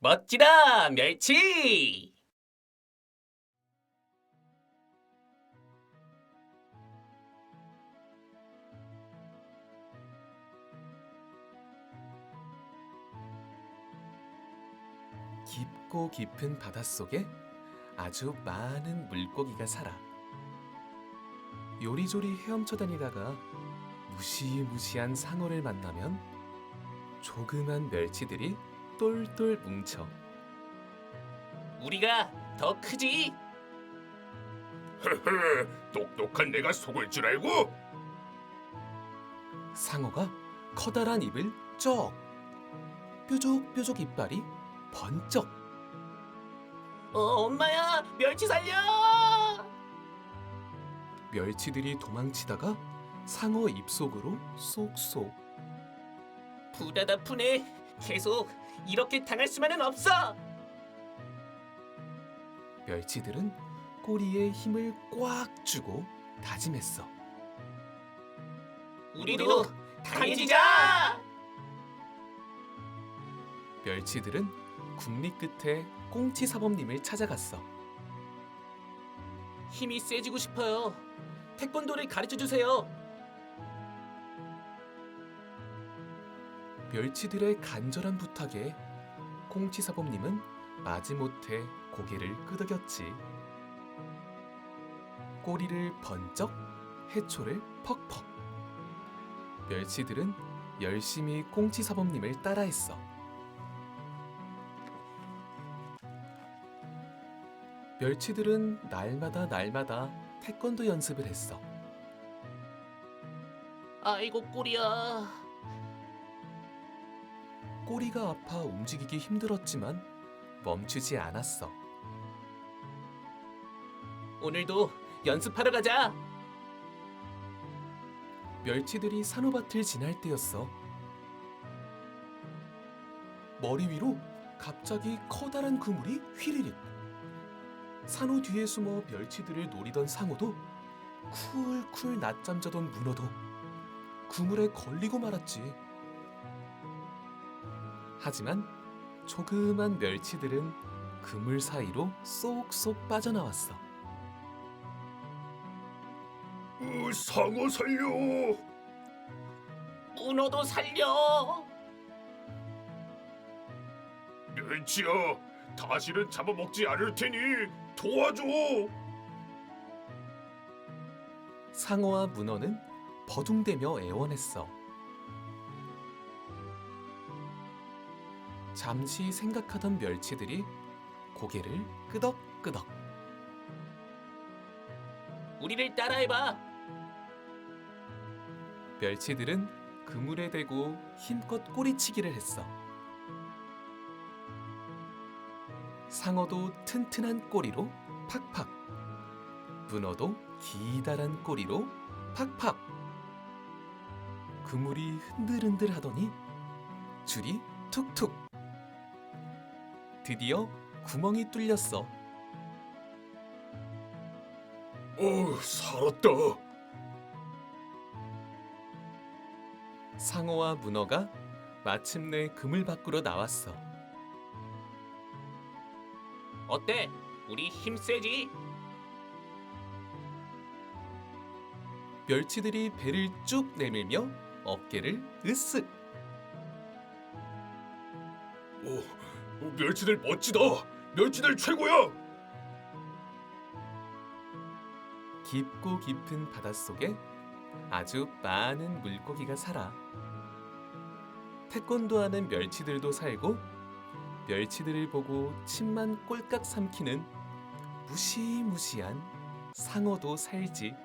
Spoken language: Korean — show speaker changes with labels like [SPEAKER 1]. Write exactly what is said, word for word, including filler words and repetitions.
[SPEAKER 1] 멋지다, 멸치! 깊고 깊은 바닷속에 아주 많은 물고기가 살아. 요리조리 헤엄쳐 다니다가 무시무시한 상어를 만나면 조그만 멸치들이 똘똘 뭉쳐. 우리가 더 크지?
[SPEAKER 2] 헤헤, 똑똑한 내가 속을 줄 알고?
[SPEAKER 1] 상어가 커다란 입을 쩍, 뾰족뾰족 이빨이 번쩍. 어, 엄마야, 멸치 살려! 멸치들이 도망치다가 상어 입속으로 쏙쏙. 부다다 푸네. 계속 이렇게 당할 수만은 없어. 멸치들은 꼬리에 힘을 꽉 주고 다짐했어. 우리도 강해지자! 멸치들은 국리 끝에 꽁치 사범님을 찾아갔어. 힘이 세지고 싶어요. 태권도를 가르쳐 주세요. 멸치들의 간절한 부탁에 꽁치 사범님은 마지못해 고개를 끄덕였지. 꼬리를 번쩍, 해초를 퍽퍽. 멸치들은 열심히 꽁치 사범님을 따라했어. 멸치들은 날마다 날마다 태권도 연습을 했어. 아이고 꼬리야. 꼬리가 아파 움직이기 힘들었지만 멈추지 않았어. 오늘도 연습하러 가자. 멸치들이 산호밭을 지날 때였어. 머리 위로 갑자기 커다란 그물이 휘리릭. 산호 뒤에 숨어 멸치들을 노리던 상어도 쿨쿨 낮잠 자던 문어도 그물에 걸리고 말았지. 하지만 조그만 멸치들은 그물 사이로 쏙쏙 빠져나왔어.
[SPEAKER 2] 으, 상어 살려!
[SPEAKER 1] 문어도 살려!
[SPEAKER 2] 멸치야, 다시는 잡아먹지 않을 테니 도와줘!
[SPEAKER 1] 상어와 문어는 버둥대며 애원했어. 잠시 생각하던 멸치들이 고개를 끄덕끄덕. 우리를 따라해봐. 멸치들은 그물에 대고 힘껏 꼬리치기를 했어. 상어도 튼튼한 꼬리로 팍팍. 문어도 기다란 꼬리로 팍팍. 그물이 흔들흔들 하더니 줄이 툭툭. 드디어 구멍이 뚫렸어.
[SPEAKER 2] 어, 살았다.
[SPEAKER 1] 상어와 문어가 마침내 그물 밖으로 나왔어. 어때? 우리 힘 세지? 멸치들이 배를 쭉 내밀며 어깨를 으쓱.
[SPEAKER 2] 오, 멸치들 멋지다. 멸치들 최고야.
[SPEAKER 1] 깊고 깊은 바닷속에 아주 많은 물고기가 살아. 태권도하는 멸치들도 살고 멸치들을 보고 침만 꼴깍 삼키는 무시무시한 상어도 살지.